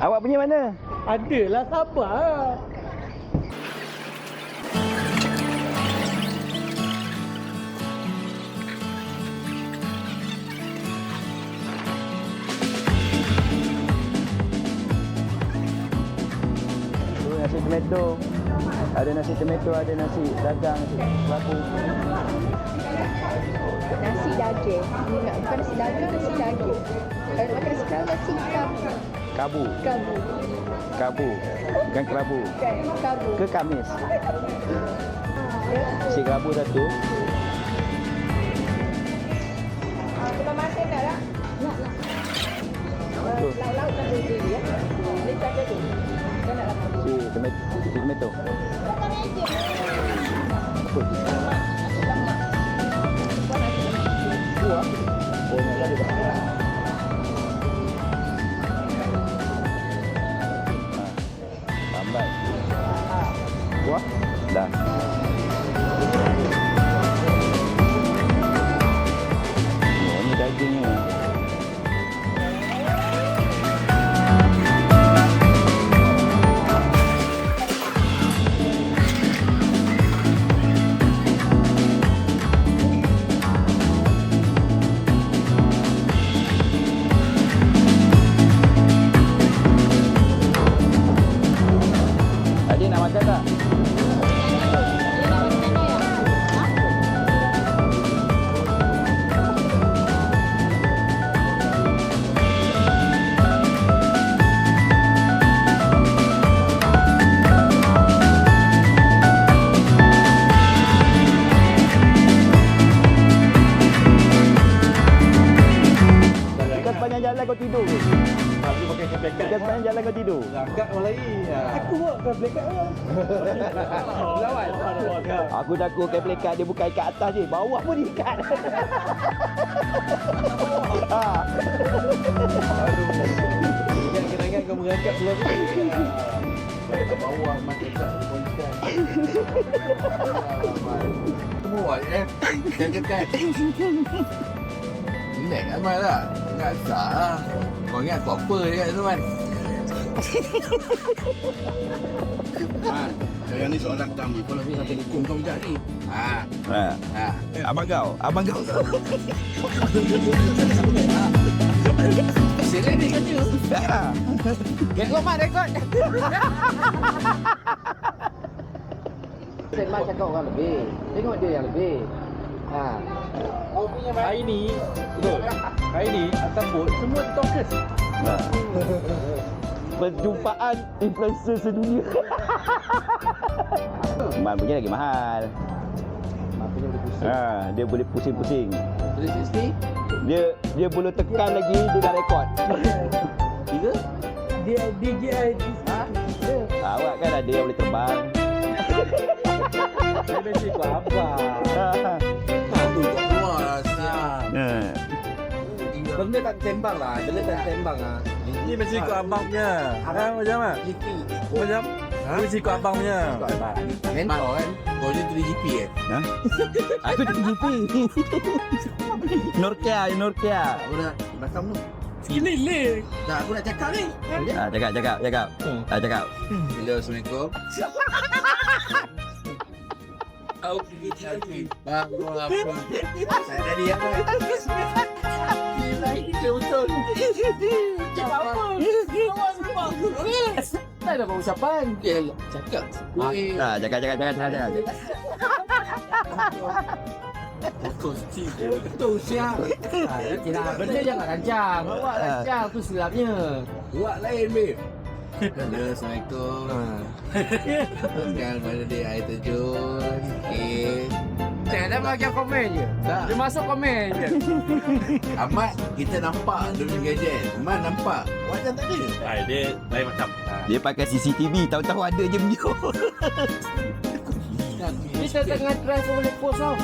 Awak punya mana? Adalah, sabar. Nasi tomato. Ada nasi tomato, ada nasi dagang, nasi kelabu. Nasi daging. Bukan nasi dagang, nasi daging. Kalau nak makan nasi kerabu, nasi kabu. Kabu. Kabu. Kabu. Bukan kelabu. Bukan, kabu. Ke Kamis. Nasi kelabu satu. Belum makan dah lah. Nak. Tu. Lauk-lauk tak boleh ya. Boleh tak ada tu. Kau nak lapar. Si tomato. Buah. Oh, nak ada tak? Lambat. Buah? Dah. Oh, ni dagingnya. Adik nak makan tak? Kan sepanjang jalan kau tidur ke? Aku pakai keplekat. Kan sepanjang jalan kau tidur? Agak malai. Aku buat keplekat lah. Lawan. Aku takut keplekat dia bukan ikat atas je, bawah pun diikat. Kenangan kau mengangkat pulang tu. Ke bawah macam tak bolehkan. Semua kan. Relax Amal lah. Ingat sah lah. Kau ingat kau apa je kat tu kan? Sekarang ni soalan pertama. Kau nak sampai hukum kau macam ni. Abang kau. Seret ni kata. Rekod Mat, rekod. Mat cakap orang lebih. Tengok dia yang lebih. Hari ni, betul. Hari ni atas bot semua TikTokers. Perjumpaan influencer sedunia. Man punya lagi mahal. Maknanya boleh pusing. Dia boleh pusing-pusing. 360? Dia boleh tekan lagi, dia dah rekod. Tiga? Dia DJI. Awak kan ada yang boleh terbang. Dia mesti ikut abang. Aku kat keluar lah siap. Benda tak tembang lah. Ni mesti ikut abang punya. Macam mana? Macam? Mesti ikut abang punya. Mentor kan? Kau je 3GP Aku jadi GP. Norkia. Aku nak belakang tu. Sini. Tak, aku nak cakap ni. Cakap. Hello, Assalamualaikum. Okey. Bagus apa? Saya tadi apa? Betul. Tak ada pengucapan. Cakap. Cakap. Betul siap. Benda jangan rancang. Awak rancang tu silapnya. Buat lain, babe. Hello, Assalamualaikum. Sekarang mana dia air terjun. Okey. Dia bagi komen je. Tak. Dia masuk komen je. Ahmad, kita nampak dia punya gadget. Ahmad nampak. Macam tak ada. Dia lain macam. Dia pakai CCTV, tahu-tahu ada je video. Kita tengah try boleh post tau.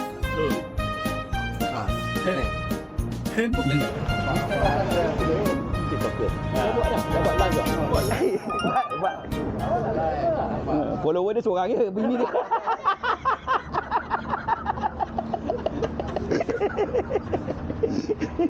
Follower dia seorang je, bini dia.